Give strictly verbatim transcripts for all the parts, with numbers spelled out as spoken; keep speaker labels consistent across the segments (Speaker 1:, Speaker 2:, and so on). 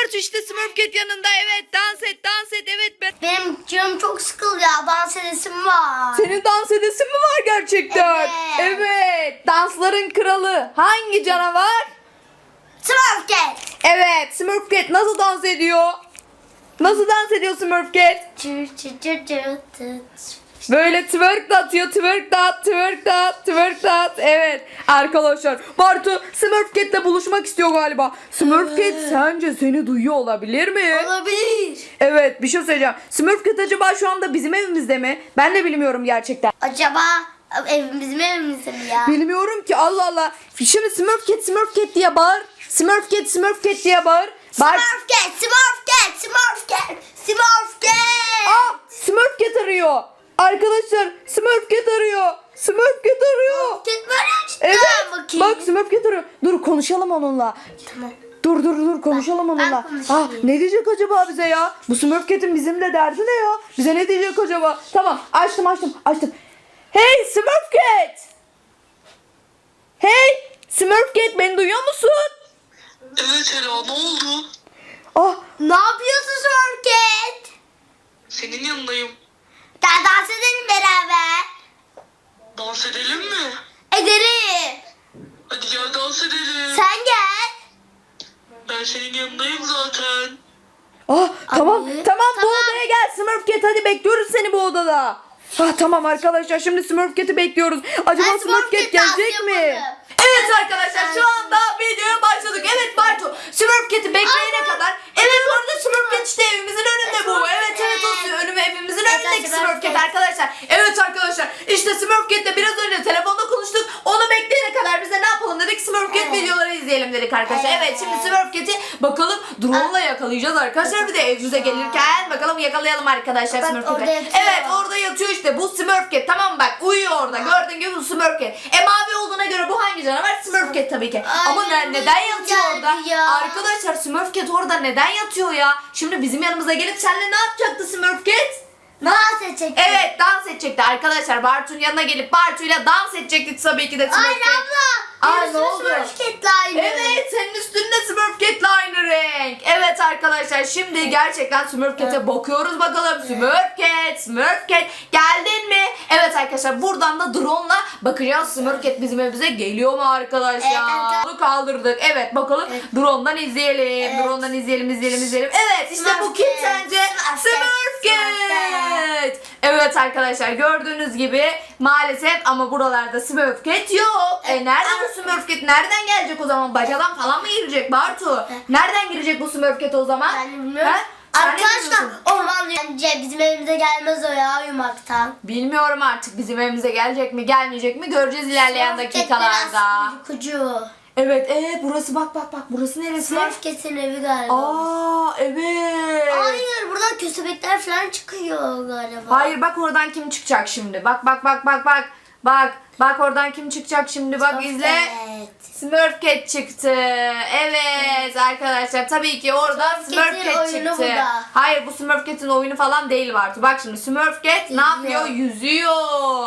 Speaker 1: Bartu işte Smurfcat yanında. Evet dans et dans et evet. Ben...
Speaker 2: Benim canım çok sıkıldı ya. Dans edesim var.
Speaker 1: Senin dans edesin mi var gerçekten?
Speaker 2: Evet.
Speaker 1: Evet. Dansların kralı hangi canavar?
Speaker 2: Smurfcat.
Speaker 1: Evet Smurfcat nasıl dans ediyor? Nasıl dans ediyor Smurfcat?
Speaker 2: Çır çır çır çır çır.
Speaker 1: Böyle twerk de atıyor, twerk de at, twerk de at, twerk de at. Evet arkadaşlar Bartu Smurfcat'le buluşmak istiyor galiba. Smurfcat
Speaker 2: Evet.
Speaker 1: sence seni duyuyor olabilir mi?
Speaker 2: Olabilir.
Speaker 1: Evet bir şey söyleyeceğim. Smurfcat acaba şu anda bizim evimizde mi? Ben de bilmiyorum gerçekten.
Speaker 2: Acaba evimiz mi evimizde mi ya?
Speaker 1: Bilmiyorum ki Allah Allah. Şimdi Smurfcat Smurfcat diye bağır. Smurfcat Smurfcat diye bağır. Bağır.
Speaker 2: Smurfcat, Smurfcat, Smurfcat, Smurfcat.
Speaker 1: Aa Smurfcat arıyor. Arkadaşlar Smurfcat arıyor. Smurfcat arıyor.
Speaker 2: Smurfcat var işte.
Speaker 1: Evet.
Speaker 2: Bakayım.
Speaker 1: Bak Smurfcat arıyor. Dur konuşalım onunla.
Speaker 2: Tamam.
Speaker 1: Dur dur dur konuşalım
Speaker 2: Ben- ben
Speaker 1: onunla.
Speaker 2: konuşayım.
Speaker 1: Ah, ne diyecek acaba bize ya? Bu Smurfcat'in bizimle derdi ne ya? Bize ne diyecek acaba? Tamam açtım açtım açtım. Hey Smurfcat! Hey Smurfcat beni duyuyor musun?
Speaker 3: Evet Ela, ne oldu?
Speaker 1: Ah
Speaker 2: Ne yapıyorsun Smurfcat?
Speaker 3: Senin yanındayım.
Speaker 2: Gel dans edelim beraber.
Speaker 3: Dans edelim mi?
Speaker 2: Ederim.
Speaker 3: Hadi gel dans edelim.
Speaker 2: Sen gel.
Speaker 3: Ben senin yanındayım zaten.
Speaker 1: Ah tamam
Speaker 2: Abi,
Speaker 1: tamam bu
Speaker 2: tamam.
Speaker 1: odaya gel Smurfcat hadi bekliyoruz seni bu odada. Ah tamam arkadaşlar şimdi Smurfcat'i bekliyoruz. Acaba
Speaker 2: Ben
Speaker 1: Smurfcat
Speaker 2: Smurfcat
Speaker 1: gelecek
Speaker 2: dans
Speaker 1: mi?
Speaker 2: yapalım.
Speaker 1: Evet arkadaşlar şu anda videoya başladık. Evet Bartu Smurfcat'i bekleyene
Speaker 2: Aynen.
Speaker 1: kadar. Evet orada Smurfcat işte evimizin önünde bu. Evet evet o önüme evimizin
Speaker 2: Evet,
Speaker 1: önündeki
Speaker 2: Smurfcat.
Speaker 1: Smurfcat arkadaşlar. Evet arkadaşlar işte Smurfcat'le biraz önce telefonda konuştuk. Onu bekleyene kadar biz de ne yapalım dedik Smurfcat
Speaker 2: Evet.
Speaker 1: videoları izleyelim dedik arkadaşlar. Evet,
Speaker 2: Evet.
Speaker 1: şimdi Smurfcat'i bakalım drone'la yakalayacağız arkadaşlar. Bir de evimize gelirken bakalım yakalayalım arkadaşlar
Speaker 2: Bak,
Speaker 1: Smurfcat'i.
Speaker 2: orada yatıyor.
Speaker 1: Evet orada yatıyor işte bu Smurfcat tamam mı bak uyuyor orada gördüğün gibi bu Smurfcat. E mavi olduğuna göre bu hangi canavar? Smurfcat tabii ki.
Speaker 2: Ay,
Speaker 1: Ama ne, neden yatıyor
Speaker 2: geldi
Speaker 1: orada?
Speaker 2: ya.
Speaker 1: Arkadaşlar Smurfcat orada neden yatıyor ya? Şimdi bizim yanımıza gelip seninle ne yapacaktı Smurfcat?
Speaker 2: Dans edecek.
Speaker 1: Evet dans edecekti arkadaşlar. Bartu'nun yanına gelip Bartu'yla dans edecektik tabii ki de Smurfcat.
Speaker 2: Aynen abla.
Speaker 1: Aa,
Speaker 2: Benim
Speaker 1: ne oldu?
Speaker 2: Smurfcat'le aynı.
Speaker 1: Evet senin üstünde Smurfcat'le aynı renk. Evet arkadaşlar şimdi gerçekten Smurfcat'e bakıyoruz bakalım. Smurfcat, Smurfcat geldin mi? Evet arkadaşlar buradan da drone'la bakacağız Smurfcat bizim evimize geliyor mu arkadaşlar?
Speaker 2: Evet, evet.
Speaker 1: Onu kaldırdık. Evet bakalım
Speaker 2: Evet.
Speaker 1: drone'dan izleyelim.
Speaker 2: Evet.
Speaker 1: Drone'dan izleyelim izleyelim izleyelim. Evet işte bu kim
Speaker 2: Smurfcat,
Speaker 1: sence?
Speaker 2: Smurfcat,
Speaker 1: Smurfcat. Evet arkadaşlar gördüğünüz gibi maalesef ama buralarda Smurfcat yok. E nerede bu Smurfcat? Nereden gelecek o zaman? Bacadan falan mı girecek Bartu? Nereden girecek bu Smurfcat o zaman?
Speaker 2: Ben de bilmiyorum.
Speaker 1: Ha? Sen ne
Speaker 2: Arkadaşlar
Speaker 1: diyorsun?
Speaker 2: orman bence bizim evimize gelmez o ya uyumaktan.
Speaker 1: Bilmiyorum artık bizim evimize gelecek mi gelmeyecek mi göreceğiz ilerleyen
Speaker 2: Smurfcat
Speaker 1: dakikalarda.
Speaker 2: biraz uykucu.
Speaker 1: Evet evet burası bak bak bak burası neresi?
Speaker 2: Smurfcat'in evi galiba.
Speaker 1: Aa evet.
Speaker 2: Hayır buradan köstebekler falan çıkıyor galiba.
Speaker 1: Hayır bak oradan kim çıkacak şimdi? Bak bak bak bak bak. Bak bak oradan kim çıkacak şimdi bak izle.
Speaker 2: Evet.
Speaker 1: Smurfcat çıktı. Evet arkadaşlar tabii ki orada
Speaker 2: Smurfcat'in
Speaker 1: Smurfcat
Speaker 2: oyunu
Speaker 1: çıktı.
Speaker 2: bu da.
Speaker 1: Hayır bu Smurfcat'in oyunu falan değil Bartu. Bak şimdi Smurfcat ne yapıyor? Yüzüyor.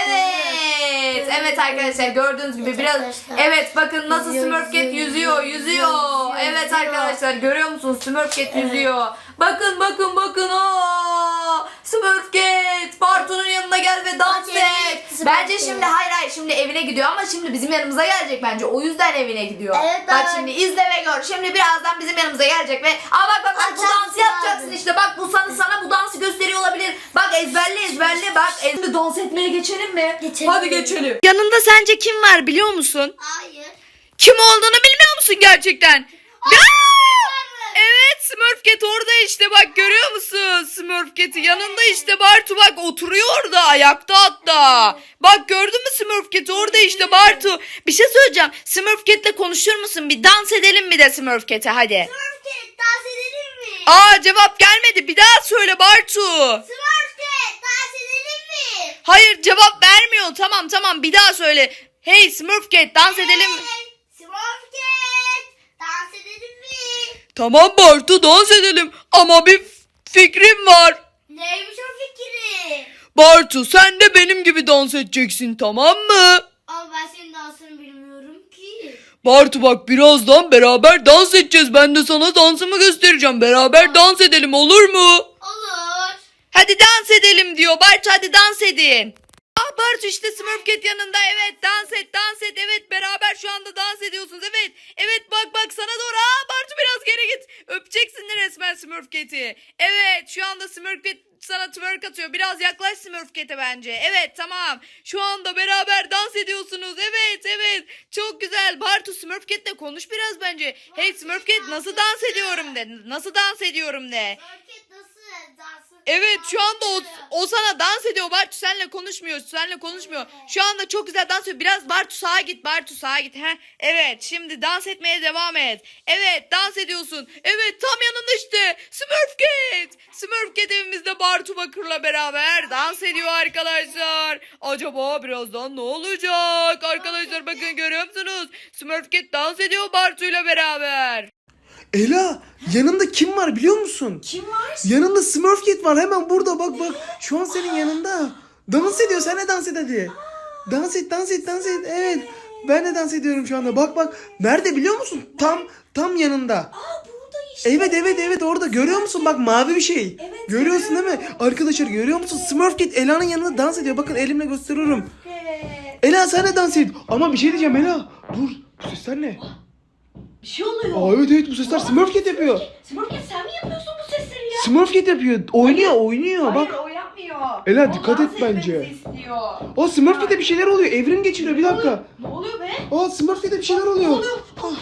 Speaker 1: Evet. Evet arkadaşlar gördüğünüz gibi
Speaker 2: Evet
Speaker 1: biraz
Speaker 2: arkadaşlar.
Speaker 1: evet bakın nasıl
Speaker 2: Yüzüyor,
Speaker 1: Smurfcat
Speaker 2: yüzüyor,
Speaker 1: yüzüyor,
Speaker 2: yüzüyor,
Speaker 1: yüzüyor.
Speaker 2: yüzüyor,
Speaker 1: Evet
Speaker 2: yüzüyor.
Speaker 1: arkadaşlar görüyor musunuz? Smurfcat yüzüyor. Bakın bakın bakın. Aa! Smurfcat Bartu'nun yanına gel ve dans
Speaker 2: Hadi,
Speaker 1: et.
Speaker 2: Smurfcat.
Speaker 1: Bence şimdi hayır hayır şimdi evine gidiyor ama şimdi bizim yanımıza gelecek bence. O yüzden evine gidiyor.
Speaker 2: Evet,
Speaker 1: bak
Speaker 2: ben-
Speaker 1: şimdi izle ve gör. Şimdi birazdan bizim yanımıza gelecek ve aa bak bak bak bu
Speaker 2: Açarsın
Speaker 1: dansı yapacaksın
Speaker 2: abi.
Speaker 1: işte. Bak bu sana sana bu dansı gösteriyor olabilir. Bak ezberle ezberle bak. Şimdi dans etmeye geçelim mi?
Speaker 2: Geçelim.
Speaker 1: Hadi geçelim. Yanında sence kim var biliyor musun?
Speaker 2: Hayır.
Speaker 1: Kim olduğunu bilmiyor musun gerçekten? Evet Smurfcat orada işte bak görüyor musun Smurfcat'i yanında işte Bartu bak oturuyor orada ayakta hatta. Bak gördün mü Smurfcat'i orada işte Bartu. Bir şey söyleyeceğim Smurfcat'le konuşur musun bir dans edelim mi de Smurfcat'e hadi.
Speaker 2: Smurfcat dans edelim mi?
Speaker 1: Aa cevap gelmedi bir daha söyle Bartu.
Speaker 2: Smurfcat dans edelim mi?
Speaker 1: Hayır cevap vermiyor tamam tamam bir daha söyle. Hey Smurfcat dans edelim mi?
Speaker 2: Hey, Smurfcat dans edelim mi?
Speaker 1: Tamam Bartu dans edelim ama bir fikrim var.
Speaker 2: Neymiş o fikri?
Speaker 1: Bartu sen de benim gibi dans edeceksin tamam mı?
Speaker 2: Ama ben senin dansını bilmiyorum ki.
Speaker 1: Bartu bak birazdan beraber dans edeceğiz. Ben de sana dansımı göstereceğim. Beraber dans edelim olur mu?
Speaker 2: Olur.
Speaker 1: Hadi dans edelim diyor. Bartu hadi dans edin. Aa Bartu işte Smurf Cat yanında. Evet dans et dans et. Evet beraber şu anda dans ediyorsunuz. Evet. Evet bak bak sana doğru. Aa Bartu biraz geri git. Öpeceksin resmen Smurf Cat'i. Evet şu anda Smurf Cat sana twerk atıyor. Biraz yaklaş Smurf Cat'e bence. Evet tamam. Şu anda beraber dans ediyorsunuz. Evet evet. Çok güzel. Bartu Smurf Cat'le konuş biraz bence. Hey Smurf Cat nasıl dans ediyorum de. Nasıl dans ediyorum de.
Speaker 2: Market nasıl dansın?
Speaker 1: Evet şu anda o, o sana dans ediyor. Bartu seninle konuşmuyor. Seninle konuşmuyor. Şu anda çok güzel dans ediyor. Biraz Bartu sağa git. Bartu sağa git. Heh. Evet şimdi dans etmeye devam et. Evet dans ediyorsun. Evet tam yanında işte. Smurf Cat. Smurf Cat evimizde Bartu Bakır'la beraber dans ediyor arkadaşlar. Acaba birazdan ne olacak? Arkadaşlar bakın görüyor musunuz? Smurf Cat dans ediyor Bartu'yla beraber.
Speaker 4: Ela yanında kim var biliyor musun?
Speaker 2: Kim var?
Speaker 4: Yanında Smurf Cat var hemen burada bak bak. Şu an senin yanında. Dans ediyor sen de dans et hadi. Dans et dans et dans et evet. Ben de dans ediyorum şu anda bak bak. Nerede biliyor musun? Tam tam yanında.
Speaker 5: Aa burada işte.
Speaker 4: Evet evet evet orada görüyor musun? Bak mavi bir şey.
Speaker 5: Evet,
Speaker 4: Görüyorsun değil mi? Arkadaşlar görüyor musun? Smurf Cat Ela'nın yanında dans ediyor. Bakın elimle gösteriyorum.
Speaker 5: Evet.
Speaker 4: Ela sen de dans et. Ama bir şey diyeceğim Ela. Dur. Bu sesler ne?
Speaker 5: Bir şey oluyor.
Speaker 4: Aa evet evet bu sesler Smurf Cat yapıyor.
Speaker 5: Smurfcat sen mi yapıyorsun bu sesleri ya?
Speaker 4: Smurf Cat yapıyor. Oynuyor oynuyor
Speaker 5: Hayır
Speaker 4: bak.
Speaker 5: o yapmıyor.
Speaker 4: Ela,
Speaker 5: O
Speaker 4: dikkat
Speaker 5: dans
Speaker 4: et bence.
Speaker 5: etmemizi istiyor.
Speaker 4: O Smurf Cat'e bir şeyler oluyor. Evrim geçiriyor bir dakika.
Speaker 5: Ne oluyor be?
Speaker 4: Aa Smurf Cat'e bir şeyler oluyor.
Speaker 5: oluyor?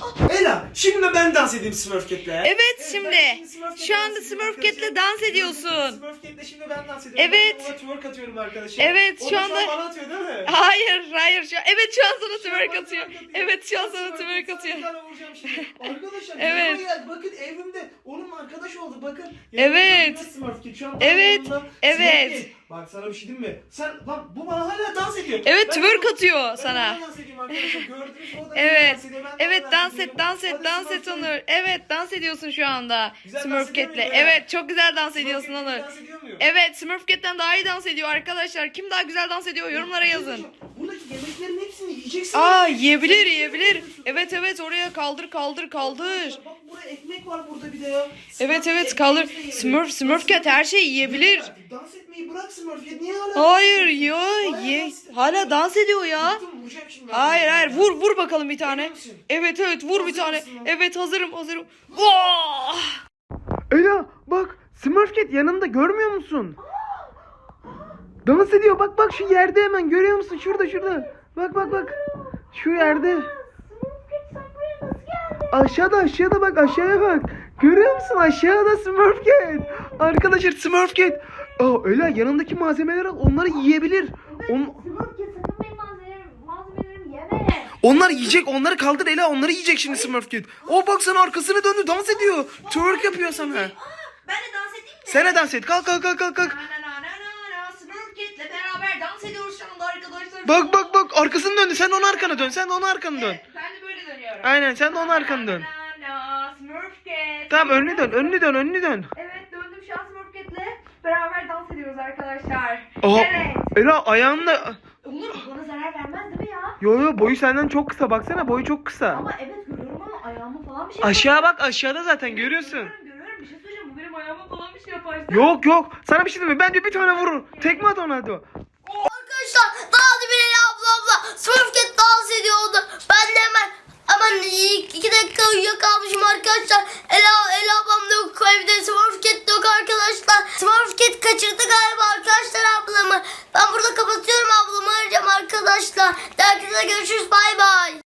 Speaker 4: Ela şimdi ben dans edeyim Smurf Cat'le.
Speaker 1: Evet şimdi. Şu anda Smurf Cat'le dans ediyorsun.
Speaker 4: Smurf Cat'le şimdi ben dans ediyorum.
Speaker 1: Evet.
Speaker 4: Ben ona twerk atıyorum arkadaşlar.
Speaker 1: Evet,
Speaker 4: O
Speaker 1: şu
Speaker 4: da
Speaker 1: anda-
Speaker 4: bana atıyor değil mi?
Speaker 1: Hayır hayır şu an. Evet şu an sana twerk atıyor. Evet şu an sana twerk atıyor.
Speaker 4: Bir tane vuracağım şimdi. Arkadaşlar
Speaker 1: Evet.
Speaker 4: yanıma geldi. Bakın evrimde onun arkadaş oldu bakın.
Speaker 1: Evet.
Speaker 4: Yanımda Smurf Cat. Şu an
Speaker 1: Evet,
Speaker 4: yanımda
Speaker 1: evet.
Speaker 4: Smurf Cat. Bak sana bir şey diyeyim mi? Sen bak bu bana hala dans ediyor.
Speaker 1: Evet
Speaker 4: Ben
Speaker 1: twerk
Speaker 4: onu-
Speaker 1: atıyor
Speaker 4: Ben
Speaker 1: sana.
Speaker 4: ona dans ediyorum arkadaşlar. Gördünüz mü? O da
Speaker 1: Evet.
Speaker 4: dans ediyor. Ben de
Speaker 1: Evet
Speaker 4: ona
Speaker 1: dans
Speaker 4: ediyorum.
Speaker 1: et dans et
Speaker 4: Hadi
Speaker 1: dans
Speaker 4: Smurf
Speaker 1: et
Speaker 4: Cat.
Speaker 1: Onur. Evet dans ediyorsun şu anda.
Speaker 4: Güzel
Speaker 1: Smurf
Speaker 4: dans ediyor
Speaker 1: Cat'le.
Speaker 4: muyum ya?
Speaker 1: Evet çok güzel dans
Speaker 4: Smurf
Speaker 1: ediyorsun
Speaker 4: Cat'le
Speaker 1: Onur.
Speaker 4: dans ediyor muyum?
Speaker 1: Evet Smurf Cat'ten daha iyi dans ediyor arkadaşlar. Kim daha güzel dans ediyor yorumlara yazın.
Speaker 4: Buradaki yemeklerin hepsini yiyeceksin.
Speaker 1: Aa yiyebilir yiyebilir. Evet evet oraya kaldır kaldır kaldır.
Speaker 4: Bak burada ekmek var burada bir de ya.
Speaker 1: Evet
Speaker 4: Smurf
Speaker 1: evet
Speaker 4: Cat
Speaker 1: kaldır.
Speaker 4: ekmeğimizi de
Speaker 1: Smurf
Speaker 4: yiyelim.
Speaker 1: Smurf Cat her şeyi yiyebilir.
Speaker 4: Dans etmeyi bırak Smurf Cat. Niye hala?
Speaker 1: Hayır ya ye. Hala dans ediyor ya.
Speaker 4: Bıktım, vuracağım şimdi ben.
Speaker 1: Hayır hayır vur vur bakalım bir tane.
Speaker 4: Emin misin?
Speaker 1: Evet evet vur bir
Speaker 4: Hazır
Speaker 1: tane.
Speaker 4: mısın lan?
Speaker 1: Evet hazırım hazırım. Oh!
Speaker 4: Ela bak Smurf Cat yanında görmüyor musun? Dans ediyor bak bak şu yerde hemen görüyor musun? Şurada şurada. Bak bak bak. Şu yerde. Aşağıda aşağıda bak aşağıya bak. Görüyor musun aşağıda Smurf Cat. Arkadaşlar Smurf Cat. Aa Ela yanındaki malzemeleri al onları yiyebilir. On,
Speaker 5: Smurfcat sakın benim malzemelerimi, malzemelerimi yeme.
Speaker 4: onlar yiyecek onları kaldır Ela onları yiyecek şimdi Smurf Cat. O bak sana arkasını döndü dans ediyor. Twerk yapıyor sana.
Speaker 5: Ben de dans edeyim mi?
Speaker 4: Sen de dans et kalk kalk kalk kalk. kalk.
Speaker 1: Na na na na na Smurfcat'le beraber dans ediyoruz şu anda arkadaşlar.
Speaker 4: Bak bak bak arkasını döndü. Sen de onun arkana dön. Sen de onun arkana dön.
Speaker 1: Ben de böyle dönüyorum.
Speaker 4: Aynen sen de onun arkana dön.
Speaker 1: Na na Smurfcat.
Speaker 4: Tamam önünü dön. Önünü dön. Önünü dön.
Speaker 1: Evet döndüm şu an Smurfcat'le beraber dans ediyoruz arkadaşlar.
Speaker 4: Aha.
Speaker 1: Evet.
Speaker 4: Ela ayağında.
Speaker 5: Onur bana zarar vermez değil mi ya?
Speaker 4: Yo yo boyu senden çok kısa. Baksana boyu çok kısa.
Speaker 5: Ama evet görüyorum ama ayağıma falan bir şey
Speaker 4: Aşağı bak aşağıda zaten görüyorsun.
Speaker 1: Görüyorum görüyorum bir şey söyleyeceğim bu benim ayağıma falan bir şey yapar.
Speaker 4: Yok yok. Sana bir şey diyeyim mi? Bence bir tane vurur. Tekme at ona hadi.
Speaker 2: Arkadaşlar daha bir Ela abla abla Smurf Cat dans ediyordu. Ben de hemen hemen iki dakika uyuyakalmışım arkadaşlar. Ela, Ela ablam da yok evde. Smurf Cat de yok arkadaşlar. Smurf Cat kaçırdı galiba arkadaşlar ablamı. Ben burada kapatıyorum ablamı arayacağım arkadaşlar. Dergide görüşürüz bay bay.